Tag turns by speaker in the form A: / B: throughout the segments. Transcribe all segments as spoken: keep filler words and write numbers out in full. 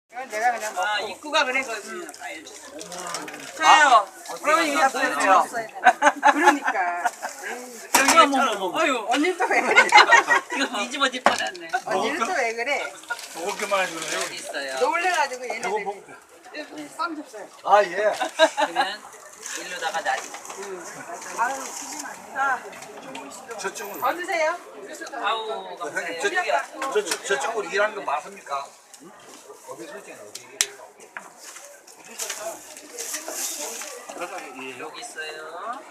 A: 이건 내가 그냥 먹고.
B: 아, 입구가 그랬거든요. 저요. 그러면 이거 보세요.
A: 그러니까.
B: 여기 한번 아유,
A: 언니 또 왜 그래?
B: 이거 뒤집어질 뻔했네.
A: 언니는 또 왜 그래?
C: 먹을 게만 해주네요.
B: 여기 있어요.
A: 놀래가지고 얘네들. 쌈 줬어요.
C: 아 예.
B: 그러면 일로다가 놔지.
A: 아유, 자,
C: 저쪽은
A: 더 드세요.
B: 아우, 감사해요.
C: 저,
B: 여기가
C: 저, 저, 저쪽으로 일하는 거 맞습니까? 응? 어디 설정이 어디 일해요?
B: 여기 있어요.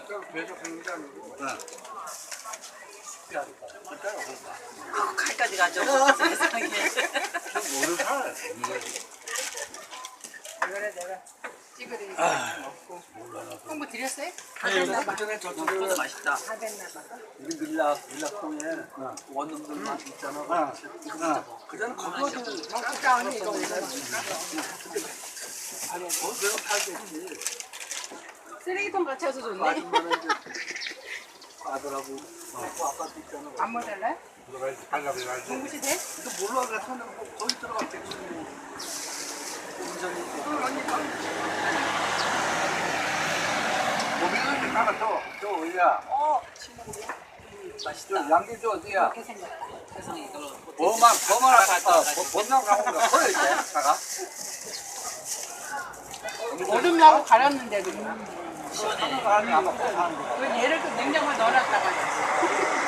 B: 아, 칼까지 가져. 세상에.
C: 오늘 살.
A: 이거를 내가 찍어드리니까 먹고. 홍보 드렸어요? 다 됐나 봐.
B: 그것도 맛있다.
A: 다 됐나 봐.
D: 우리 밀라 밀라통에 원룸들만 있잖아. 그전 거기서
A: 먹자 언니 이거 올려줄까?
D: 거기서 팔겠지.
A: 쓰레기통 같이 와서 좋네.
D: 아줌마는 이제 아들하고 그 아빠도 있잖아.
A: 안 먹을래?
C: 발가락 가야지.
A: 공부시 돼?
D: 그 몰라 가서는 뭐 거기 들어갔겠지. 운전이
A: 응, 언니 거.
D: 고기는 가가 또, 또 어디야?
A: 어,
D: 저 양귀 저 어디야?
A: 이렇게 생겼다.
B: 세상에 이걸로.
D: 범만 범만 아까 범만 가는 거 커요 이제 차가.
A: 얼음 나고 갈았는데도.
D: 하는 거 아니야 아마 꼭 하는 거.
A: 그 얘를 또 냉장고에 넣어놨다가.